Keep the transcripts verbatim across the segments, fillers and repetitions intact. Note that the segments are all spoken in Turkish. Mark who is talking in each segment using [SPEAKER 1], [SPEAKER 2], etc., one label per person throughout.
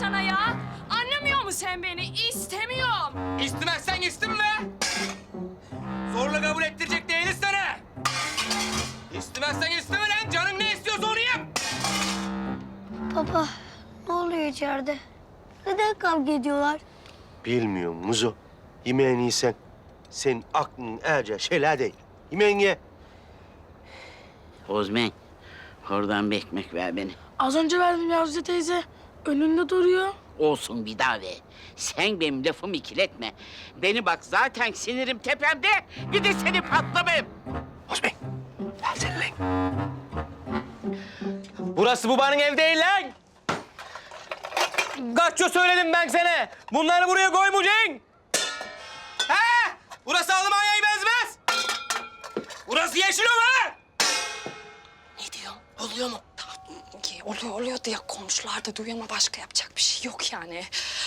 [SPEAKER 1] sana ya? Anlamıyor musun sen beni? İstemiyorum.
[SPEAKER 2] İstemezsen istemme. Zorla kabul ettirecek değiliz sana. İstemezsen isteme lan. Canın ne istiyorsa onu yap.
[SPEAKER 3] Baba, ne oluyor içeride? Neden kavga ediyorlar?
[SPEAKER 4] Bilmiyorum Muzo. Yemeğini yesen. Senin aklın erce şeyler değil. Yemeğini ye.
[SPEAKER 5] Ozmen, oradan bir ekmek ver beni.
[SPEAKER 6] Az önce verdim Yavuzca teyze. Önünde duruyor.
[SPEAKER 5] Olsun bir daha ver. Sen benim lafımı ikiletme. Beni bak zaten sinirim tepemde. Bir de seni patlamayayım.
[SPEAKER 4] Osman, versene lan.
[SPEAKER 2] Burası babanın ev değil lan. Kaçça söyledim ben sana. Bunları buraya koymayacaksın. He? Burası Almanya'ya benzemez. Burası Yeşilova.
[SPEAKER 1] Ne diyorsun? Oluyor mu? Ki oluyor oluyor diye komşular da duyuyor ama başka yapacak bir şey yok yani.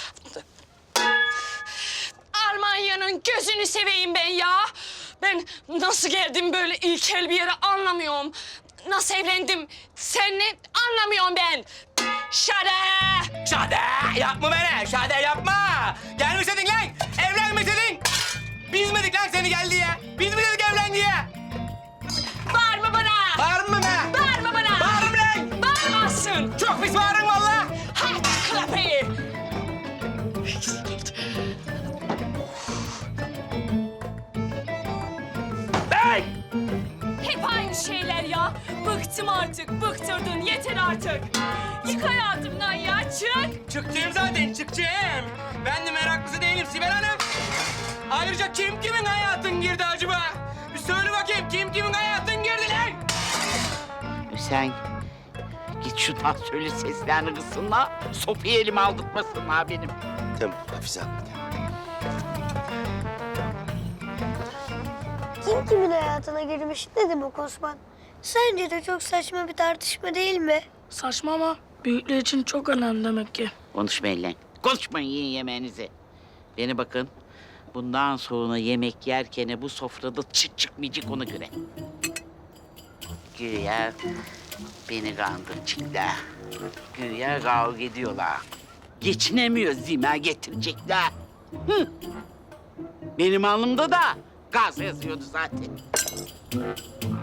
[SPEAKER 1] Almanya'nın gözünü seveyim ben ya. Ben nasıl geldim böyle ilkel bir yere anlamıyorum. Nasıl evlendim seninle anlamıyorum ben. Şade!
[SPEAKER 2] Şade yapma beni. Şade yapma. Gelmeseydin lan. Evlenmeseydin. Biz mi dedik lan seni gel diye? Biz mi dedik evlen diye?
[SPEAKER 1] Bağırma bana!
[SPEAKER 2] Bağırma be.
[SPEAKER 1] Bağırma bana!
[SPEAKER 2] Bağırma lan.
[SPEAKER 1] Bağırmazsın!
[SPEAKER 2] Çok pis bağırın valla.
[SPEAKER 1] Aç kapıyı!
[SPEAKER 2] Hey!
[SPEAKER 1] Hep aynı şeyler ya. Bıktım artık, bıktırdın. Yeter artık. Yık hayatımdan ya, çık.
[SPEAKER 2] Çıkacağım zaten, çıkacağım. Ben de meraklısı değilim Sibel Hanım. Ayrıca kim kimin hayatın girdi acaba? Bir söyle bakayım, kim kimin hayatın girdi lan?
[SPEAKER 5] Sen git şuradan söyle seslerini kızsınlar. Sopayı elime aldırtmasınlar benim.
[SPEAKER 4] Tamam Hafize abla.
[SPEAKER 3] Kim kimin hayatına girmiş ne demek Osman? Sence de çok saçma bir tartışma değil mi?
[SPEAKER 6] Saçma ama büyükler için çok önemli demek ki.
[SPEAKER 5] Konuşmayın lan. Konuşmayın, yiyin yemeğinizi. Beni bakın. Bundan sonra yemek yerken bu sofrada çıt çıkmayacak ona göre. Güya beni kandıracaklar. Güya kavga ediyorlar. Geçinemiyor zima getirecekler. Hı. Benim alnımda da gaz yazıyordu zaten.